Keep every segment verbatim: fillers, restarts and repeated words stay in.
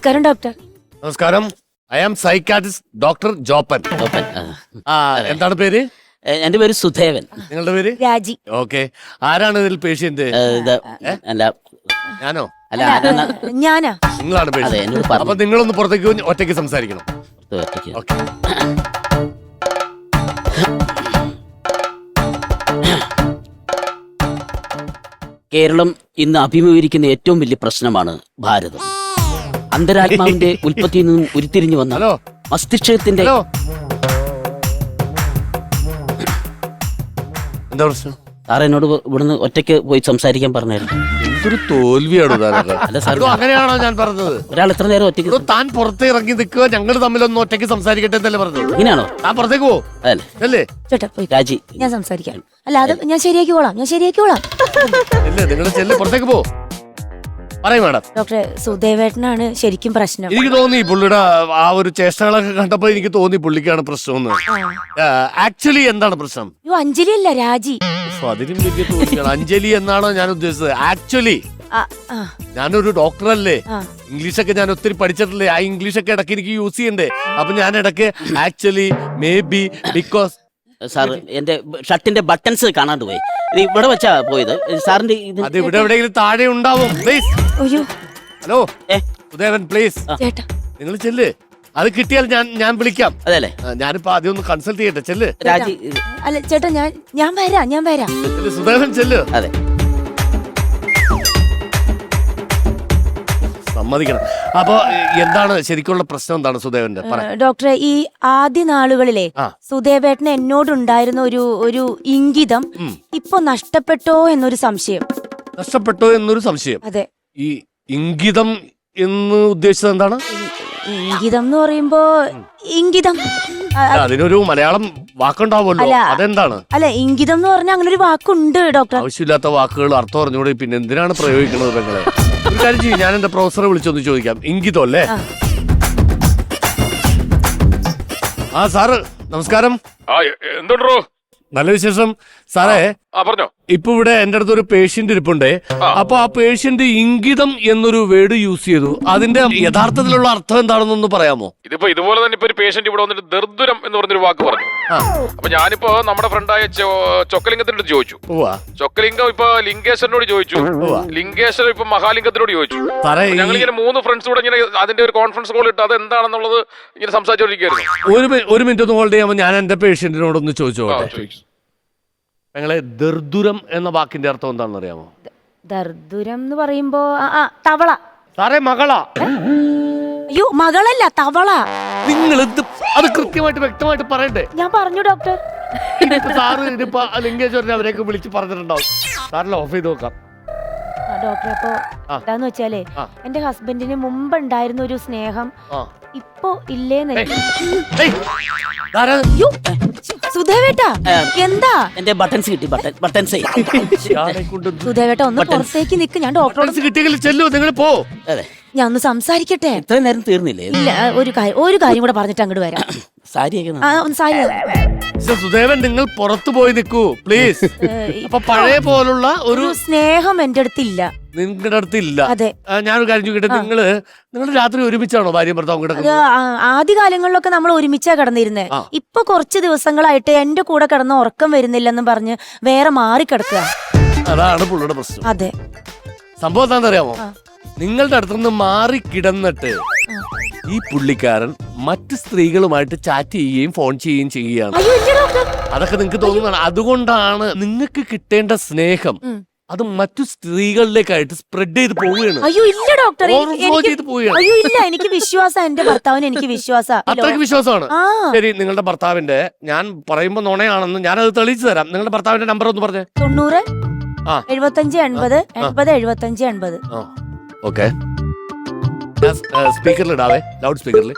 നമസ്കാരം ഡോക്ടർ. നമസ്കാരം. I am psychiatrist doctor Joppan. Joppan, ആ. ആ എന്താണ് പേര്? എ, എന്റെ പേര് സുധേവൻ. നിങ്ങളുടെ പേര്? രാജി. ഓക്കെ. ആരാണ് ഇതിൽ പേഷ്യന്റ്? ഏ, ഇത് അല്ല ഞാനോ? അല്ല ആരാണ്? ഞാനാ. നിങ്ങളാണ് അതെ, പേഷ്യന്റ്. എന്നോട് പറഞ്ഞു. അപ്പൊ നിങ്ങളൊന്ന് പുറത്തേക്ക് വന്ന് ഒറ്റയ്ക്ക് സംസാരിക്കണം. ഇത് ഒറ്റയ്ക്ക്. ഓക്കെ. കേരളം ഇന്ന് അഭിമുഖീകരിക്കുന്ന ഏറ്റവും വലിയ പ്രശ്നമാണ് ഭാരതം. അന്തരാത്മാവിന്റെ ഉൽപ്പത്തിയിൽ നിന്നും ഉരുത്തിരിഞ്ഞു വന്ന ഹലോ മസ്തിഷ്കത്തിന്റെ ഹലോ എന്താ പ്രശ്നം? സാർ എന്നോട് ഇവിടുന്ന് ഒറ്റയ്ക്ക് പോയി സംസാരിക്കാൻ പറഞ്ഞായിരുന്നു. എന്തൊരു തോൽവിയാണോ താനൊക്കെ? അല്ല സാർ, ഇതോ അങ്ങനെയാണോ ഞാൻ പറഞ്ഞത്? ഒരാൾ എത്ര നേരം ഒറ്റയ്ക്ക് ഇതോ താൻ പുറത്ത് ഇറങ്ങി നിൽക്കുക, ഞങ്ങൾ തമ്മിലൊന്ന് ഒറ്റയ്ക്ക് സംസാരിക്കട്ടെ എന്നല്ലേ പറഞ്ഞത്? ഇങ്ങനെയാണോ? താൻ പുറത്തേക്ക് പോ അതല്ലേ അല്ലേ? ചേട്ടാ പോയി, രാജി. ഞാൻ സംസാരിക്കാം. അല്ല അത് ഞാൻ ശരിയാക്കിക്കോളാം, ഞാൻ ശരിയാക്കിക്കോളാം. അല്ലേ നിങ്ങൾ ചെല്ല്, പുറത്തേക്ക് പോ. പറയും മാഡം. ഡോക്ടറെ, സുധേവേട്ടനാണ് ശരിക്കും പ്രശ്നം. എനിക്ക് തോന്നി പുള്ളിയുടെ ആ ഒരു ചേഷ്ടകളൊക്കെ കണ്ടപ്പോ എനിക്ക് തോന്നി പുള്ളിക്കാണ് പ്രശ്നം. ആക്ച്വലി എന്താണ് പ്രശ്നം? അയ്യോ, അഞ്ജലി അല്ല, രാജി. ഉഫ്, അതിനും വലിയ തോന്നിയാണ്. അഞ്ജലി എന്നാണോ ഞാൻ ഉദ്ദേശിച്ചത്? ആക്ച്വലി ആ, ആ, ഞാനൊരു ഡോക്ടർ അല്ലേ, ആ. ഇംഗ്ലീഷൊക്കെ ഞാൻ ഒത്തിരി പഠിച്ചിട്ടില്ലേ, ആ ഇംഗ്ലീഷൊക്കെ ഇടയ്ക്ക് എനിക്ക് യൂസ് ചെയ്യണ്ടേ. അപ്പൊ ഞാൻ ഇടയ്ക്ക് actually, maybe, because. Sir എന്റെ ഷർട്ടിന്റെ ബട്ടൺസ് കാണാണ്ട് പോയി. ഇത് ഇവിടെ വെച്ചാ പോയത് സാറിന്റെ. ഇത് അത് ഇവിടെ എവിടെയെങ്കിലും താഴെ ഉണ്ടാവും. പ്ലീസ്. അയ്യോ ഹലോ ഏ ഉദയവൻ, പ്ലീസ് ചേട്ടാ. നിങ്ങൾ ചെല്ല്. അത് കിട്ടിയാൽ ഞാൻ ഞാൻ വിളിക്കാം. അതെ അല്ലേ? ആ, ഞാനിപ്പോ ആദ്യം ഒന്ന് കൺസൾട്ട് ചെയ്യട്ടെ. ചെല്ല്. രാജി. ഇത് അല്ല ചേട്ടാ, ഞാൻ ഞാൻ വരാം, ഞാൻ വരാം. ചെല്ല്, സുദേവൻ ചെല്ല്. അതെ. സമ്മതിക്കണം. അപ്പൊ എന്താണ് ശരിക്കുള്ള പ്രശ്നം? എന്താണ് സുദേവന്റെ? പറ. ഏ, ഡോക്ടറെ, ഈ ആദ്യ നാളുകളിലെ ആ. സുധേവേട്ടന് എന്നോടുണ്ടായിരുന്ന ഒരു ഒരു ഇംഗിതം ഇപ്പൊ നഷ്ടപ്പെട്ടോ എന്നൊരു സംശയം. നഷ്ടപ്പെട്ടോ എന്നൊരു സംശയം. അതെ. ഈ ഇംഗിതം എന്ന് ഉദ്ദേശിച്ചത് എന്താണ്? ഇംഗിതം എന്ന് പറയുമ്പോ ഇംഗിതം ആ, അല്ല, അതിനൊരു മലയാളം വാക്കുണ്ടാവുമല്ലോ, അല്ല. അതെന്താണ്? അല്ല, ഇംഗിതം എന്ന് പറഞ്ഞാൽ അങ്ങനെ ഒരു വാക്കുണ്ട് ഡോക്ടർ. ആവശ്യമില്ലാത്ത വാക്കുകൾ അർത്ഥം അറിഞ്ഞൂടെ പിന്നെ എന്തിനാണ് പ്രയോഗിക്കുന്നത് നിങ്ങളെ? ഒരു കാര്യം ചെയ്യും, ഞാൻ എന്റെ പ്രൊഫസറെ വിളിച്ചൊന്ന് ചോദിക്കാം. ഇംഗിതം അല്ലേ? ആ. ആ സാറ് നമസ്കാരം. ആ എന്തുണ്ടോ? നല്ല വിശേഷം സാറേ. ആ പറഞ്ഞോ. ഇപ്പൊ ഇവിടെ എന്റെ അടുത്ത് ഒരു പേഷ്യന്റ് ഇരിപ്പുണ്ടേ. അപ്പൊ ആ പേഷ്യന്റ് ഇംഗിതം എന്നൊരു വേർഡ് യൂസ് ചെയ്തു. അതിന്റെ യഥാർത്ഥത്തിലുള്ള അർത്ഥം എന്താണെന്നൊന്ന് പറയാമോ? ഇതിപ്പോ ഇതുപോലെ തന്നെ ഇപ്പൊ ഒരു പേഷ്യന്റ് ഇവിടെ വന്നിട്ട് ദർദുരം എന്ന് പറഞ്ഞൊരു വാക്ക് പറഞ്ഞു. ആ. അപ്പൊ ഞാനിപ്പോ നമ്മുടെ ഫ്രണ്ടായ ചൊക്കലിംഗത്തിനോട് ചോദിച്ചു. ഉവ്വ. ചൊക്കലിംഗം ഇപ്പൊ ലിംഗേശ്വരനോട് ചോദിച്ചു. ഉവ്വ. ലിംഗേശ്വരൻ ഇപ്പൊ മഹാലിംഗത്തിനോട് ചോദിച്ചു. സാറേ, ഈ- ഞങ്ങൾ ഇങ്ങനെ മൂന്ന് ഫ്രണ്ട്സ് കൂടെ ഇങ്ങനെ അതിന്റെ ഒരു കോൺഫറൻസ് കോൾ ഇട്ട് അത് എന്താണെന്നുള്ളത് ഇങ്ങനെ സംസാരിച്ചോണ്ടിരിക്കുന്നു. ഒരു മി- ഒരു മിനിറ്റ് ഒന്ന് ഹോൾഡ് ചെയ്യാമോ? ഞാൻ എന്റെ പേഷ്യന്റിനോടൊന്ന് ചോദിച്ചോട്ടെ. ഞങ്ങളെ ദർദുരം എന്ന വാക്കിന്റെ അർത്ഥം എന്താണെന്ന് അറിയാമോ? ദർദുരം എന്ന് പറയുമ്പോ ആ, ആ, തവള. സാറേ, മകളാ. അയ്യോ, മകളല്ല, തവള. നിങ്ങൾ ഇത് അത് കൃത്യമായിട്ട് വ്യക്തമായിട്ട് പറയണ്ടേ? ഞാൻ പറഞ്ഞു ഡോക്ടർ. ഇതിപ്പോ സാറ് ഇതിപ്പോ ലിംഗേശ്വരനെ അവരെയൊക്കെ വിളിച്ച് പറഞ്ഞിട്ടുണ്ടാവും. സാറിന് ഓഫ് ചെയ്ത് നോക്കാം. ആ, ഡോക്ടർ, അപ്പൊ ആ. എന്താന്ന് വെച്ചാലേ, ആ. എന്റെ ഹസ്ബൻഡിന് മുമ്പ് ഉണ്ടായിരുന്ന ഒരു സ്നേഹം ആ. ഇപ്പൊ ഇല്ലേന്ന്. ഏയ്, ഇതാരാ? അയ്യോ, സുധേവേട്ടാ, എന്താ? എന്റെ ബട്ടൺസ് കിട്ടി. ബട്ടൺ ബട്ടൺസ് ഇയാളെ കൊണ്ട് ഇത് സുധേവേട്ട ഒന്ന് പുറത്തേക്ക് നിക്ക്, ഞാൻ ഡോക്ടറോട് buttons കിട്ടിയെങ്കിൽ ചെല്ലു, നിങ്ങൾ പോ. അതെ. ഞാൻ ഒന്ന് സംസാരിക്കട്ടെ. ഇത്രയും നേരം തീർന്നില്ലേ? ഇല്ല, ഒരു കാര്യം ഒരു കാര്യം കൂടെ പറഞ്ഞിട്ട് അങ്ങോട്ട് വരാം. സാരിയൊക്കെ ആ, ഒന്ന് സാരി. മിസ്റ്റർ സുദേവൻ, നിങ്ങൾ പുറത്തു പോയി നിൽക്കൂ പ്ലീസ്. അപ്പൊ പഴയ പോലുള്ള ഒരു ഒരു സ്നേഹം എന്റെ അടുത്തില്ല. നിങ്ങളുടെ അടുത്ത് ഇല്ല. അതെ. ആ, ഞാനൊരു കാര്യം ചോദിക്കട്ടെ, നിങ്ങള് നിങ്ങൾ രാത്രി ഒരുമിച്ചാണോ ഭാര്യയും ഭർത്താവും അത് കിടക്കുന്നത്? ആ- ആദ്യ കാലങ്ങളിലൊക്കെ നമ്മൾ ഒരുമിച്ചാ കിടന്നിരുന്നേ. ആ. ഇപ്പൊ കുറച്ച് ദിവസങ്ങളായിട്ട് എന്റെ കൂടെ കിടന്ന ഉറക്കം വരുന്നില്ലെന്ന് പറഞ്ഞ് വേറെ മാറി കിടക്കുക. അതാണ് പുള്ളിയുടെ പ്രശ്നം. അതെ. സംഭവം എന്താണെന്ന് അറിയാമോ? ആ. നിങ്ങളുടെ അടുത്തുനിന്ന് മാറി കിടന്നിട്ട് ഈ പുള്ളിക്കാരൻ മറ്റ് സ്ത്രീകളുമായിട്ട് ചാറ്റ് ചെയ്യുകയും ഫോൺ ചെയ്യുകയും ചെയ്യുകയാണ്. അയ്യോ, ഇല്ല ഡോക്ടർ. അതൊക്കെ നിങ്ങൾക്ക് തോന്നുന്നതാണ്. അതുകൊണ്ടാണ് നിങ്ങൾക്ക് കിട്ടേണ്ട സ്നേഹം ഉം. അത് മറ്റു സ്ത്രീകളിലേക്കായിട്ട് സ്പ്രെഡ് ചെയ്ത് പോവുകയാണ്. അയ്യോ, ഇല്ല ഡോക്ടർ. എനി- Overflow എനിക്ക് ചെയ്ത് പോവുകയാണ്. അയ്യോ, ഇല്ല, എനിക്ക് വിശ്വാസം, എന്റെ ഭർത്താവിന് എനിക്ക് വിശ്വാസ. അത്രയ്ക്ക് വിശ്വാസമാണ്. ആ. ശരി, നിങ്ങളുടെ ഭർത്താവിന്റെ, ഞാൻ പറയുമ്പോ നുണയാണെന്ന് ഞാനത് തെളിയിച്ചു തരാം. നിങ്ങളുടെ ഭർത്താവിന്റെ നമ്പർ ഒന്ന് പറഞ്ഞേ. തൊണ്ണൂറ് ആ. എഴുപത്തഞ്ച് എൺപത് എൺപത് എഴുപത്തഞ്ച് എൺപത്. ഓക്കെ, സ്പീക്കറിൽ ഇടാവേ, ലൗഡ് സ്പീക്കറിൽ.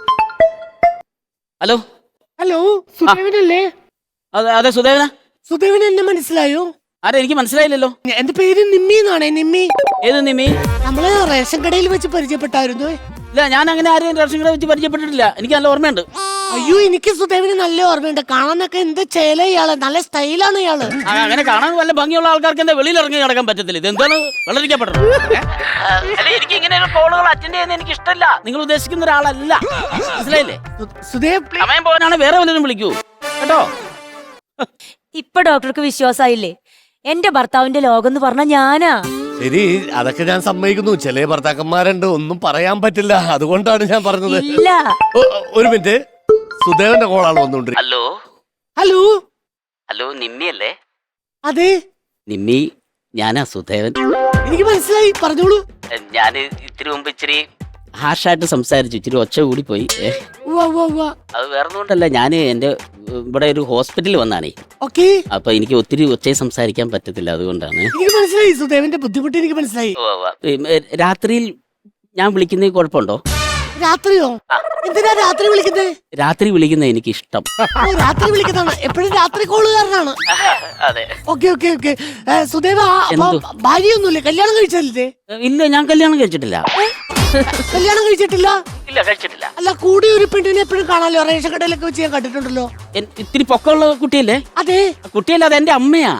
ഹലോ. ഹലോ, സുദേവനല്ലേ? അതെ അതെ സുധേവന. സുദേവൻ എന്നെ മനസ്സിലായോ? ആരെ? എനിക്ക് മനസ്സിലായില്ലല്ലോ. എന്റെ പേര് നിമ്മി എന്നാണ്. നിമ്മി. ഏത് നിമി? നമ്മള് റേഷൻ കടയിൽ വെച്ച് പരിചയപ്പെട്ടായിരുന്നു. ഇല്ല, ഞാൻ അങ്ങനെ ആരെയും റേഷൻ കട വെച്ച് പരിചയപ്പെട്ടിട്ടില്ല. എനിക്ക് നല്ല ഓർമ്മയുണ്ട്. അയ്യോ എനിക്ക് സുദേവിന് നല്ല ഓർമ്മയുണ്ട്. കാണാനൊക്കെ എന്ത് ചേല ഇയാള്, നല്ല സ്റ്റൈലാണ് ഇയാള്. ആ, അങ്ങനെ കാണാൻ വല്ല ഭംഗിയുള്ള ആൾക്കാർക്ക് എന്താ വെളിയിൽ ഇറങ്ങി നടക്കാൻ പറ്റത്തില്ല? ഇത് എന്താണ് വെള്ളരിക്കപ്പെട്ടത്? എനിക്ക് ഇങ്ങനെ കോളുകൾ അറ്റൻഡ് ചെയ്യുന്ന എനിക്ക് ഇഷ്ടമല്ല. നിങ്ങൾ ഉദ്ദേശിക്കുന്ന ഒരാളല്ല, മനസ്സിലായില്ലേ? സുദേവ് please. സമയം പോകാനാണ് വേറെ വല്ലതും വിളിക്കൂ കേട്ടോ. ഇപ്പൊ ഡോക്ടർക്ക് വിശ്വാസായില്ലേ? എന്റെ ഭർത്താവിന്റെ ലോകം എന്ന് പറഞ്ഞ ഞാനാ. ശരി, അതൊക്കെ ഞാൻ സമ്മതിക്കുന്നു. ചില ഭർത്താക്കന്മാരുണ്ട്, ഒന്നും പറയാൻ പറ്റില്ല. അതുകൊണ്ടാണ് ഞാൻ പറഞ്ഞത്. ഇല്ല, ഒ- ഒരു മിനിറ്റ്, സുദേവന്റെ കോളാണ് വന്നുകൊണ്ടിരിക്കുന്നത്. Hello hello. ഹലോ, നിമ്മി അല്ലേ? അതെ, നിമ്മി, ഞാനാ സുധേവൻ. എനിക്ക് മനസ്സിലായി, പറഞ്ഞോളൂ. ഞാൻ ഇത്തിരി മുമ്പ് ഇച്ചിരി ഹാർഷായിട്ട് സംസാരിച്ചു, ഇച്ചിരി ഒച്ച കൂടി പോയി. ഏ, ഉവ്വ, ഉവ്വ, ഉവ്വ. അത് വേറെ കൊണ്ടല്ല, ഞാൻ എൻ്റെ ഇവിടെ ഒരു ഹോസ്പിറ്റലിൽ വന്നാണേ. ഓക്കേ, അപ്പൊ എനിക്ക് ഒത്തിരി ഒച്ചയെ സംസാരിക്കാൻ പറ്റത്തില്ല, അതുകൊണ്ടാണ്. എനിക്ക് മനസ്സിലായി സുദേവിന്റെ ബുദ്ധിമുട്ട് എനിക്ക് മനസ്സിലായി. രാത്രിയിൽ ഞാൻ വിളിക്കുന്നതിൽ കുഴപ്പമുണ്ടോ? രാത്രിയോ? എന്തിനാ രാത്രി വിളിക്കുന്നത്? രാത്രി വിളിക്കുന്നത് എനിക്ക് ഇഷ്ടം. ഓ, രാത്രി വിളിക്കുന്നതാണ്. എപ്പോഴും രാത്രി കോളുകാരനാണ്. അതെ. Okay okay okay. സുദേവ, അപ്പൊ എന്ത്? ഭാര്യയൊന്നുമില്ലേ? കല്യാണം കഴിച്ചല്ലേ? ഇല്ല, ഞാൻ കല്യാണം കഴിച്ചിട്ടില്ല. കല്യാണം കഴിച്ചിട്ടില്ല? ഇല്ല, കഴിച്ചിട്ടില്ല. അല്ല, കൂടി ഒരു പെണ്ണിനെ എപ്പോഴും കാണാലോ, റേഷൻ കടയിലൊക്കെ വെച്ച് ഞാൻ കണ്ടിട്ടുണ്ടല്ലോ. എൻ- ഇത്തിരി പൊക്കമുള്ള കുട്ടിയല്ലേ? അതെ. കുട്ടിയല്ല, അത് എന്റെ അമ്മയാ.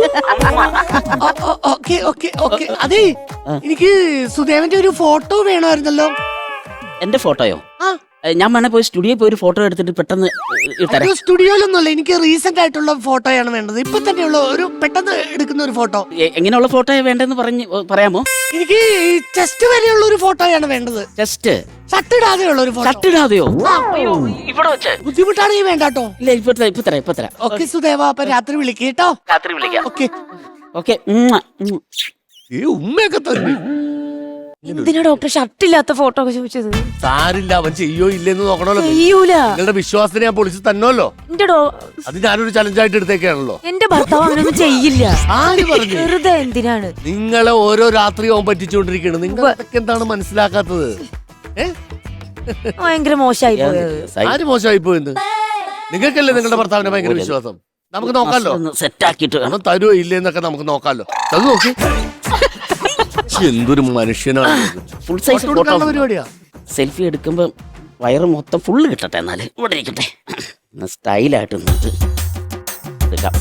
Okay okay okay. അതെ, എനിക്ക് സുദേവന്റെ ഒരു ഫോട്ടോ വേണമായിരുന്നല്ലോ. എന്റെ ഫോട്ടോയോ? ആ, ഏ, ഞാൻ വേണേ പോയി സ്റ്റുഡിയോയിൽ പോയി ഒരു ഫോട്ടോ എടുത്തിട്ട് പെട്ടെന്ന് ഇട്ടരാം. ഒരു സ്റ്റുഡിയോയിലൊന്നുമല്ല, എനിക്ക് റീസെന്റ് ആയിട്ടുള്ള ഫോട്ടോയാണ് വേണ്ടത്. ഇപ്പൊ തന്നെയുള്ള ഒരു പെട്ടെന്ന് എടുക്കുന്ന ഒരു ഫോട്ടോ. എ- എങ്ങനെയുള്ള ഫോട്ടോയാ വേണ്ടെന്ന് പറഞ്ഞ് പറയാമോ? എനിക്ക് ചെസ്റ്റ് വരെയുള്ള ഒരു ഫോട്ടോയാണ് വേണ്ടത്. ജസ്റ്റ് ഷർട്ട് ഇടാതെ ഉള്ള ഒരു ഫോട്ടോ. ഷട്ടിടാതെയോ? ഇവിടെ വെച്ച് ബുദ്ധിമുട്ടാണെങ്കിൽ വേണ്ട കേട്ടോ. ഇല്ല, ഇപ്പൊ തരാം, ഇപ്പൊ തരാം, ഇപ്പൊ തരാം. ഓക്കെ സുദേവ, അപ്പൊ രാത്രി വിളിക്ക് കേട്ടോ. രാത്രി വിളിക്കാം. ഓക്കെ. ഓക്കെ. ഈ ഉമ്മയൊക്കെ തന്നെ. എന്തിനാ ഡോക്ടർ ഷർട്ടില്ലാത്ത ഫോട്ടോ ഒക്കെ ചോദിച്ചത്? സാരില്ല, അവൻ ചെയ്യോ ഇല്ലെന്ന് നോക്കണമല്ലോ. ചെയ്യൂല. നിങ്ങളുടെ വിശ്വാസത്തിന് ഞാൻ പൊളിച്ച് തന്നല്ലോ. എന്റെ ഡോ അത് ഞാനൊരു ചലഞ്ചായിട്ട് എടുത്തേക്കാണല്ലോ. എന്റെ ഭർത്താവ് അങ്ങനൊന്നും ചെയ്യില്ല. ആര് പറഞ്ഞു? വെറുതെ എന്തിനാണ്? നിങ്ങളെ ഓരോ രാത്രിയും പറ്റിച്ചുകൊണ്ടിരിക്കുകയാണ്. നിങ്ങൾ അതൊക്കെ എന്താണ് മനസ്സിലാക്കാത്തത്? ഏ? ഭയങ്കര മോശമായി പോയത്. ആര് മോശമായി പോയെന്ന്? നിങ്ങൾക്കല്ലേ നിങ്ങളുടെ ഭർത്താവിന്റെ ഭയങ്കര വിശ്വാസം. നമുക്ക് നോക്കാലോ. സെറ്റ് ആക്കിട്ട് പണം തരുമോ ഇല്ലേന്നൊക്കെ നമുക്ക് നോക്കാലോ. അത് നോക്കി. എന്തൊരു മനുഷ്യനാണ്. ഫുൾ സൈസ് ഫോട്ടോ എടുക്കാനുള്ള പരിപാടിയാ. സെൽഫി എടുക്കുമ്പോ വയറ് മൊത്തം ഫുള്ള് കിട്ടട്ടെ, എന്നാല് ഇവിടെ ഇരിക്കട്ടെ. സ്റ്റൈലായിട്ട് നിന്നിട്ട് എടുക്കാം.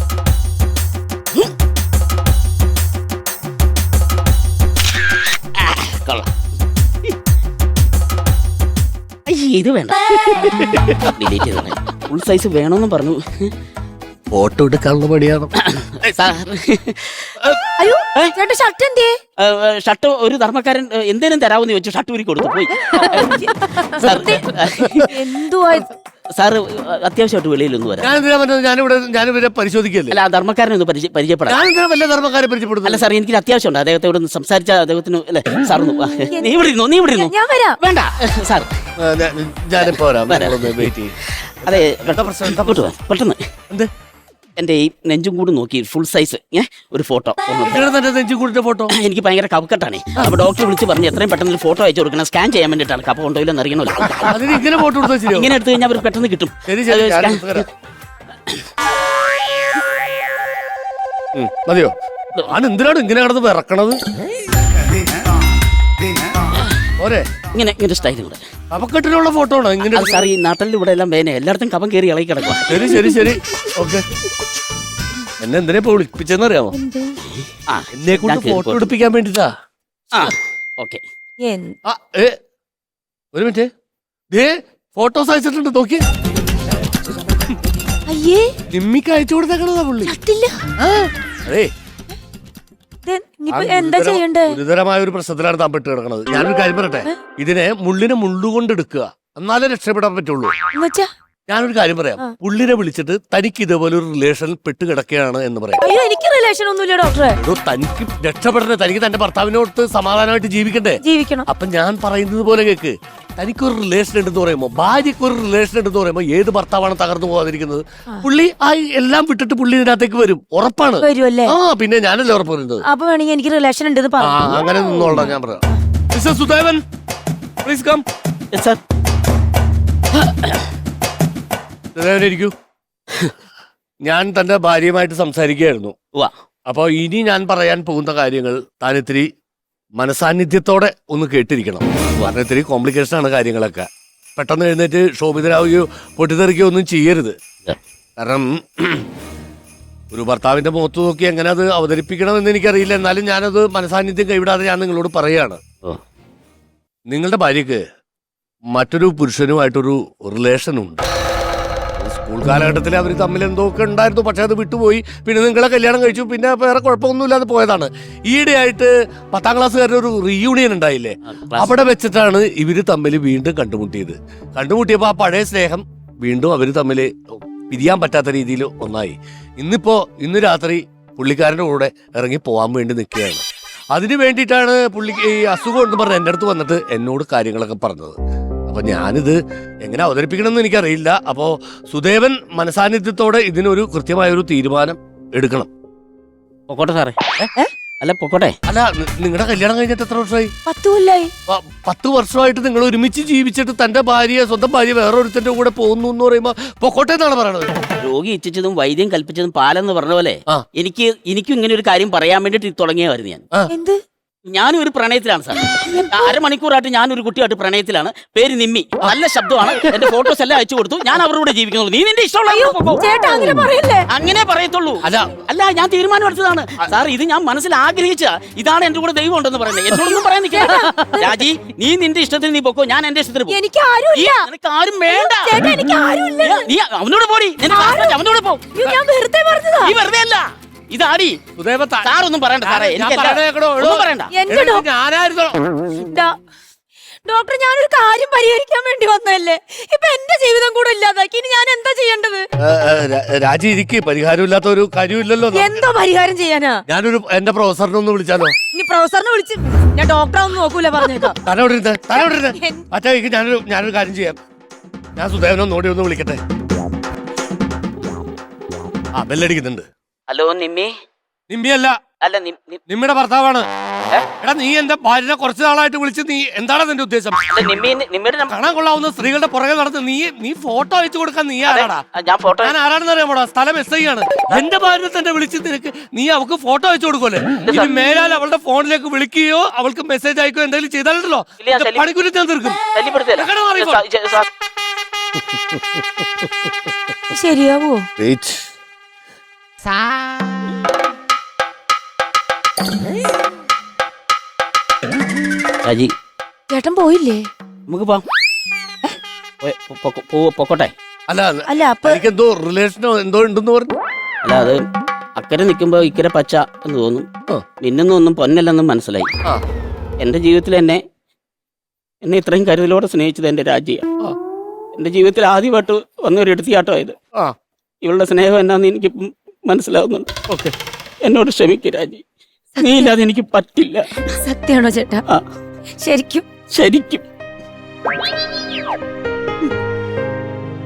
ആ, കൊള്ളാം. അയ്യേ, ഇത് വേണ്ട, ഡിലീറ്റ് ചെയ്തേ. ഫുൾ സൈസ് വേണമെന്ന് പറഞ്ഞു. ഫോട്ടോ എടുക്കാനുള്ള പണിയാണ്. സാർ, അയ്യോ ചേട്ടാ, ഷർട്ട് എന്തേ? ഷർട്ട് ഒരു ധർമ്മക്കാരൻ ഏ, എന്തേലും തരാമെന്ന് ചോദിച്ചു, ഷർട്ട് ഊരി കൊടുത്തു പോയി. സാർ, എന്തുവാ? സാർ അത്യാവശ്യമായിട്ട് വെളിയിലൊന്നും വരാം. ഞാൻ എന്തിനാ പറഞ്ഞത്? ഞാനിവിടെ ഞാനിവരെ പരിശോധിക്കല്ലേ. അല്ല, ആ ധർമ്മക്കാരനെ ഒന്ന് പരിചയ- പരിചയപ്പെടാം. ഞാൻ എന്തിനാ വല്ല ധർമ്മക്കാരെ പരിചയപ്പെടുന്നത്? അല്ല സാർ, എനിക്ക് അത്യാവശ്യമുണ്ട് അദ്ദേഹത്തോട് ഒന്ന് സംസാരിച്ച അദ്ദേഹത്തിന്. അല്ലെ സാർ ഒന്ന് വാ. നീ ഇവിടെ ഇരുന്നോ, നീ ഇവിടെ ഇരുന്നോ. ഞാൻ വരാം. വേണ്ട സാർ, ആ, ഞാൻ- ഞാനിപ്പോ വരാം. നിങ്ങളൊന്ന് വെയിറ്റ് ചെയ്യ്. അതെ, ഇങ്ങോട്ട് വാ, പെട്ടെന്ന്. എന്ത്? എന്റെ ഈ നെഞ്ചും കൂടി നോക്കി ഫുൾ സൈസ് ഏ ഒരു ഫോട്ടോ. നിങ്ങളുടെ തന്നെ നെഞ്ചു കൂടിന്റെ ഫോട്ടോ. എനിക്ക് ഭയങ്കര കപക്കെട്ടാണ്. അപ്പൊ ഡോക്ടർ വിളിച്ച് പറഞ്ഞ് എത്രയും പെട്ടെന്ന് ഒരു ഫോട്ടോ അയച്ചു കൊടുക്കണം, സ്കാൻ ചെയ്യാൻ വേണ്ടിയിട്ടാണ്. കപ്പ കൊണ്ടുപോയില്ലെന്ന് അറിയണമല്ലോ. അതിന് ഇങ്ങനെ ഫോട്ടോ എടുത്താൽ ശരിയാവും. ഇങ്ങനെ എടുത്തു കഴിഞ്ഞാൽ അവർ പെട്ടെന്ന് കിട്ടും. ശരി ശരി, അത് ഞാൻ scan- എടുത്ത് തരാം. ഉം, മതിയോ? ഞാൻ എന്തിനാണ് ഇങ്ങനെ കിടന്ന് വിറക്കണത്? ഓരേ ഇങ്ങനെ ഇങ്ങനെ സ്റ്റൈലും കൂടെ. അപക്കെട്ടിനുള്ള ഫോട്ടോ ആണോ ഇങ്ങനെ? അത് സാർ, ഈ നാട്ടിൽ ഇവിടെ എല്ലാം വേനെ എല്ലായിടത്തും കപം കയറി ഇളകി കിടക്കുക. ശരി ശരി ശരി, ഓക്കെ. എന്നെ എന്തിനാ ഇപ്പൊ വിളിപ്പിച്ചെന്ന് അറിയാമോ? ആ, എന്നെ കൊണ്ട് ഞാൻ കേറി ഫോട്ടോ പോട്ടെ. എടുപ്പിക്കാൻ വേണ്ടിട്ടാ. ആ, ഓക്കെ. എന്ത്? ആ, ഏ, ഒരു മിനിറ്റ്. ദേ ഫോട്ടോസ് അയച്ചിട്ടുണ്ട്, നോക്കി. അയ്യേ, നിമ്മിക്ക് അയച്ചു കൊടുത്തേക്കണതാ പുള്ളി. ഷർട്ടില്ല. ആ, അതേ, ഇത് ഇനിയിപ്പോ ആ എന്താ ഗുരുതരം- ചെയ്യണ്ടേ? ഗുരുതരമായ ഒരു പ്രശ്നത്തിലാണ് താൻ പെട്ട് കിടക്കുന്നത്. ഞാനൊരു കാര്യം പറയട്ടെ, ഇതിനെ മുള്ളിനെ മുള്ളുകൊണ്ട് എടുക്കുക, എന്നാലേ രക്ഷപ്പെടാൻ പറ്റുള്ളൂ. എന്നുവെച്ചാ? ഞാനൊരു കാര്യം പറയാം. പുള്ളിനെ വിളിച്ചിട്ട് തനിക്ക് ഇതേപോലെ ഒരു റിലേഷൻ പെട്ട് കിടക്കുകയാണ് എന്ന് പറയാം. അയ്യോ, എനിക്ക് റിലേഷൻ ഒന്നുമില്ല ഡോക്ടറെ. അതോ തനിക്ക് രക്ഷപ്പെടണേ, തനിക്ക് തന്റെ ഭർത്താവിനോട് സമാധാനമായിട്ട് ജീവിക്കണ്ടേ? ജീവിക്കണം. അപ്പൊ ഞാൻ പറയുന്നത് പോലെ കേക്ക്. തനിക്കൊരു റിലേഷൻ ഉണ്ടെന്ന് പറയുമ്പോ, ഭാര്യയ്ക്ക് ഒരു റിലേഷൻ ഉണ്ടെന്ന് പറയുമ്പോ ഏത് ഭർത്താവാണ് തകർന്നു പോകാതിരിക്കുന്നത്? പുള്ളി ആ എല്ലാം വിട്ടിട്ട് പുള്ളി ഇതിനകത്തേക്ക് വരും, ഉറപ്പാണ്. വരുമല്ലേ? ആ, പിന്നെ ഞാനല്ലേ ഉറപ്പ് പറയുന്നത്. അപ്പൊ വേണമെങ്കിൽ എനിക്ക് റിലേഷൻ ഉണ്ടെന്ന് ആ, പറഞ്ഞു. അങ്ങനെ നിന്നോളാം, ഞാൻ പറയാം. Mister Sudevan, please come. Sir, Sudevan ഇരിക്കൂ. ഞാൻ തന്റെ ഭാര്യയുമായിട്ട് സംസാരിക്കുകയായിരുന്നു. വാ. അപ്പൊ ഇനി ഞാൻ പറയാൻ പോകുന്ന കാര്യങ്ങൾ താൻ ഇത്തിരി മനസാന്നിധ്യത്തോടെ ഒന്ന് കേട്ടിരിക്കണം. കാരണം ഇത്തിരി കോംപ്ലിക്കേഷൻ ആണ് കാര്യങ്ങളൊക്കെ. പെട്ടെന്ന് എഴുന്നേറ്റ് ശോഭിതരാവുകയോ പൊട്ടിത്തെറിക്കുകയോ ഒന്നും ചെയ്യരുത്. കാരണം ഒരു ഭർത്താവിന്റെ മുഖത്ത് നോക്കി എങ്ങനെ അത് അവതരിപ്പിക്കണമെന്ന് എനിക്കറിയില്ല. എന്നാലും ഞാനത് മനസാന്നിധ്യം കൈവിടാതെ ഞാൻ നിങ്ങളോട് പറയുകയാണ്. നിങ്ങളുടെ ഭാര്യക്ക് മറ്റൊരു പുരുഷനുമായിട്ടൊരു റിലേഷൻ ഉണ്ട്. സ്കൂൾ കാലഘട്ടത്തിൽ അവർ തമ്മിൽ എന്തൊക്കെ ഉണ്ടായിരുന്നു, പക്ഷെ അത് വിട്ടുപോയി. പിന്നെ നിങ്ങളെ കല്യാണം കഴിച്ചു, പിന്നെ വേറെ കുഴപ്പമൊന്നുമില്ലാതെ പോയതാണ്. ഈയിടെയായിട്ട് പത്താം ക്ലാസ്സുകാരുടെ ഒരു റീയൂണിയൻ ഉണ്ടായില്ലേ, അവിടെ വെച്ചിട്ടാണ് ഇവര് തമ്മിൽ വീണ്ടും കണ്ടുമുട്ടിയത്. കണ്ടുമുട്ടിയപ്പോ ആ പഴയ സ്നേഹം വീണ്ടും അവര് തമ്മിൽ പിരിയാൻ പറ്റാത്ത രീതിയിൽ ഒന്നായി. ഇന്നിപ്പോ ഇന്ന് രാത്രി പുള്ളിക്കാരൻ്റെ കൂടെ ഇറങ്ങി പോകാൻ വേണ്ടി നിൽക്കുകയാണ്. അതിന് വേണ്ടിയിട്ടാണ് പുള്ളി ഈ അസുഖം എന്ന് പറഞ്ഞ് എൻ്റെ അടുത്ത് വന്നിട്ട് എന്നോട് കാര്യങ്ങളൊക്കെ പറഞ്ഞത്. അപ്പൊ ഞാനിത് എങ്ങനെ അവതരിപ്പിക്കണം എന്ന് എനിക്കറിയില്ല. അപ്പോ സുദേവൻ മനസാന്നിധ്യത്തോടെ ഇതിനൊരു കൃത്യമായ ഒരു തീരുമാനം എടുക്കണം. പൊക്കോട്ടെ സാറേ. അല്ല പൊക്കോട്ടെ. അല്ല, നിങ്ങളുടെ കല്യാണം കഴിഞ്ഞിട്ട് എത്ര വർഷമായി? പത്ത് കൊല്ലായി. പത്ത് വർഷമായിട്ട് നിങ്ങൾ ഒരുമിച്ച് ജീവിച്ചിട്ട് തന്റെ ഭാര്യ സ്വന്തം ഭാര്യ വേറൊരുത്തന്റെ കൂടെ പോകുന്നു എന്ന് പറയുമ്പോ പൊക്കോട്ടെ എന്നാണ് പറയണത്. രോഗി ഇച്ഛിച്ചതും വൈദ്യം കൽപ്പിച്ചതും പാലെന്ന് പറഞ്ഞ പോലെ ആ. എനിക്ക് എനിക്കും ഇങ്ങനെ ഒരു കാര്യം പറയാൻ വേണ്ടിട്ട് തുടങ്ങിയതായിരുന്നു ഞാൻ. എന്ത്? ഞാനും ഒരു പ്രണയത്തിലാണ് സാർ. അരമണിക്കൂറായിട്ട് ഞാനൊരു കുട്ടിയായിട്ട് പ്രണയത്തിലാണ്. പേര് നിമ്മി, നല്ല ശബ്ദമാണ്. എന്റെ ഫോട്ടോസ് എല്ലാം അയച്ചു കൊടുത്തു. ഞാൻ അവരുടെ ജീവിക്കുന്നുള്ളൂ. നീ നിന്റെ ഇഷ്ടമുള്ള ചേട്ടാ അങ്ങനെ പറയല്ലേ. അങ്ങനെ പറയത്തുള്ളൂ. അല്ല അല്ല ഞാൻ തീരുമാനം എടുത്തതാണ് സാർ. ഇത് ഞാൻ മനസ്സിൽ ആഗ്രഹിച്ച ഇതാണ് എന്റെ കൂടെ ദൈവം ഉണ്ടെന്ന് പറയുന്നത്. എന്നോടൊന്നും പറയാൻ നിൽക്കില്ല രാജി. നീ നിന്റെ ഇഷ്ടത്തിന് നീ പൊക്കോ, ഞാൻ എന്റെ ഇഷ്ടത്തിന് പോകും. എനിക്ക് ആരുമില്ല. നിനക്ക് ആരും വേണ്ട. ചേട്ടാ എനിക്ക് ആരുമില്ല. നീ അവനോട് പോടി. അവനോട് പോ. ഞാൻ വെറുതെ പറഞ്ഞതാ. നീ വെറുതെ അല്ല, ഇതാടി. സാറൊന്നും പറയണ്ട സാറേ. ഒന്നും പറയണ്ട. എന്റെ ഞാനായിരുന്നു ഡോക്ടർ, ഞാനൊരു കാര്യം പരിഹരിക്കാൻ വേണ്ടി വന്നതല്ലേ. ഇപ്പൊ എന്റെ ജീവിതം കൂടെ ഇല്ലാതാക്കി. ഇനി ഞാൻ എന്താ ചെയ്യേണ്ടത്? രാജി, ഇരിക്ക്. പരിഹാരമില്ലാത്ത ഒരു കാര്യമില്ലല്ലോ. എന്തോ പരിഹാരം ചെയ്യാനാ? ഞാനൊരു എന്റെ പ്രൊഫസറിനെ ഒന്ന് വിളിച്ചാലോ? ഇനി പ്രൊഫസറിനെ വിളിച്ച് ഞാൻ ഡോക്ടറെ ഒന്നും നോക്കൂല പറഞ്ഞേക്കാം. തലോടിരുന്ന് തലോടിരുന്ന് അച്ഛാ, ഞാനൊരു ഞാനൊരു കാര്യം ചെയ്യാം. ഞാൻ സുദേവനൊന്ന് ഓടി ഒന്ന് വിളിക്കട്ടെ. ആ, ബെല്ലടിക്കുന്നുണ്ട്. ഹലോ നിമ്മി. നിമ്മിയല്ല, അല്ല നിമ്മിയുടെ ഭർത്താവാണ്. എടാ, നീ എന്റെ ഭാര്യനെ കുറച്ചു നാളായിട്ട് വിളിച്ച് നീ എന്താണ് നിന്റെ ഉദ്ദേശം? കാണാൻ കൊള്ളാവുന്ന സ്ത്രീകളുടെ പുറകെ നടന്ന് നീ നീ ഫോട്ടോ അയച്ചു കൊടുക്കാൻ നീ ആരാടാ? ഞാൻ ആരാണെന്ന് അറിയാമോടാ? സ്ഥലം എസ് ഐ ആണ്. എന്റെ ഭാര്യനെ തന്നെ വിളിച്ച് നിനക്ക് നീ അവൾക്ക് ഫോട്ടോ അയച്ചു കൊടുക്കുമല്ലേ? ഇനി മേലാൽ അവളുടെ ഫോണിലേക്ക് വിളിക്കുകയോ അവൾക്ക് മെസ്സേജ് അയക്കുകയോ എന്തെങ്കിലും ചെയ്താലുണ്ടല്ലോ പണിക്കുരി ഞാൻ തീർക്കും. ശരിയാവോ? രാജി, ചേട്ടൻ പോയില്ലേ? നമുക്ക് പൊക്കോട്ടെ. അല്ല അല്ല, അപ്പൊ എനിക്കെന്തോ റിലേഷനോ എന്തോ ഉണ്ടെന്ന് പറഞ്ഞു. അല്ല, അത് അക്കരെ നിൽക്കുമ്പോ ഇക്കരെ പച്ച എന്ന് തോന്നും. മിന്നുന്നൊന്നും പൊന്നല്ലെന്നും മനസ്സിലായി. എന്റെ ജീവിതത്തിൽ എന്നെ എന്നെ ഇത്രയും കരുതലോടെ സ്നേഹിച്ചത് എന്റെ രാജിയാണ്. എന്റെ ജീവിതത്തിൽ ആദ്യമായിട്ട് വന്നൊരു എടുത്തിയാട്ടമായത്. ഇവളുടെ സ്നേഹം എന്നാന്ന് എനിക്ക് മനസ്സിലാവുന്നുണ്ട്. ഓക്കെ, എന്നോട് ക്ഷമിക്കുക രാജി. നീ ഇല്ലാതെ എനിക്ക് പറ്റില്ല. സത്യമാണോ ചേട്ടാ? ശരിക്കും ശരിക്കും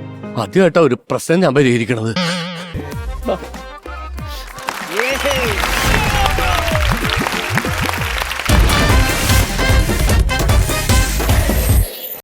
ആദ്യമായിട്ടാ ഒരു പ്രശ്നം ഞാൻ പരിഹരിക്കണത്.